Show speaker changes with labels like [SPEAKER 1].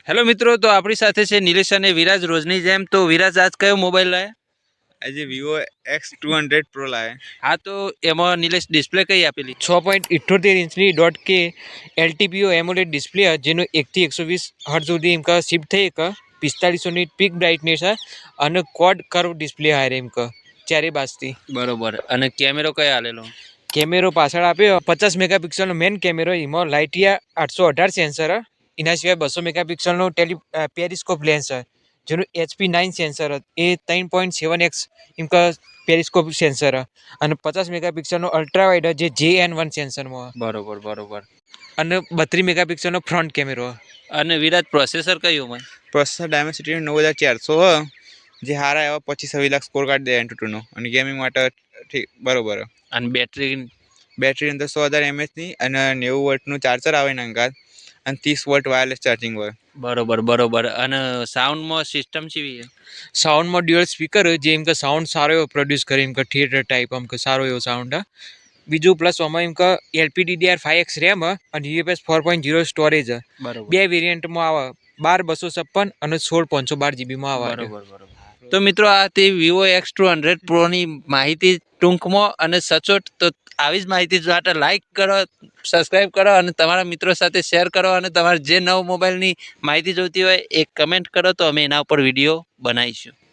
[SPEAKER 1] Hello મિત્રો, તો આપણી સાથે છે નિલેશ અને વિરાજ રોજની જેમ. તો વિરાજ, આજ કયો મોબાઈલ લાયા?
[SPEAKER 2] આજે વિવો X200 પ્રો લાયા.
[SPEAKER 1] હા, તો એમાં નિલેશ ડિસ્પ્લે કઈ આપેલી?
[SPEAKER 3] 6.78 ઇંચની .k LTPO એમોલેડ ડિસ્પ્લે જેનો 1 થી 120 હર્ટ્ઝ સુધી ઇમકા શિફ્ટ થઈ એક 4500 પીક બ્રાઇટનેસ અને ક્વાડ કર્વ ડિસ્પ્લે હારે ઇમકા ચારે બાજથી.
[SPEAKER 1] બરોબર. અને કેમેરો કયો આલેલો?
[SPEAKER 3] કેમેરો પાછળ આપ્યો 50 મેગાપિક્સલનો મેન કેમેરો, એમાં લાઇટિયા 818 સેન્સર, એના સિવાય 200 મેગાપિક્સલનો પેરિસ્કોપ લેન્સ જેનું HP9 સેન્સર એ 3.7x ઇમકા પેરિસ્કોપ સેન્સર અને 50 મેગાપિક્સલનો અલ્ટ્રા વાઇડ જે JN1 સેન્સરમાં
[SPEAKER 1] બરોબર.
[SPEAKER 3] અને 32 મેગાપિક્સલનો ફ્રન્ટ કેમેરો.
[SPEAKER 1] અને વિરાજ, પ્રોસેસર કયું હોય?
[SPEAKER 2] પ્રોસેસર ડાયમેન્સિટી 9400 જે હારા એવા 25-26 લાખ સ્કોર કાઢી દે Antutu અને ગેમિંગ માટે ઠીક બરોબર.
[SPEAKER 1] અને બેટરી?
[SPEAKER 2] બેટરી અંદર 100,000 mAh ની અને 90 વોલ્ટનું ચાર્જર આવે એના અંગાત અને 30 વોલ્ટ વાયરલેસ ચાર્જિંગ હોય.
[SPEAKER 1] બરોબર. અને સાઉન્ડમાં સિસ્ટમ કેવી છે?
[SPEAKER 3] સાઉન્ડમાં ડ્યુઅલ સ્પીકર જે એમ કે સાઉન્ડ સારો એવો પ્રોડ્યુસ કરે, એમ કે થિયેટર ટાઈપ આમ કે સારો એવો સાઉન્ડ. બીજું પ્લસ આમાં એમ કે LPDDR5X રેમ અને UFS 4.0 સ્ટોરેજ.
[SPEAKER 1] બરોબર.
[SPEAKER 3] બે વેરિયન્ટમાં આવે, 12 256 અને 16 512 જીબીમાં આવે.
[SPEAKER 1] બરોબર. તો મિત્રો, આ તે વિવો X200 પ્રોની માહિતી ટૂંકમાં અને સચોટ. તો આવી જ માહિતી માટે લાઈક કરો, સબસ્ક્રાઈબ કરો અને તમારા મિત્રો સાથે શેર કરો. અને તમારે જે નવો મોબાઈલની માહિતી જોઈતી હોય એ કમેન્ટ કરો, તો અમે એના ઉપર વિડીયો બનાવીશું.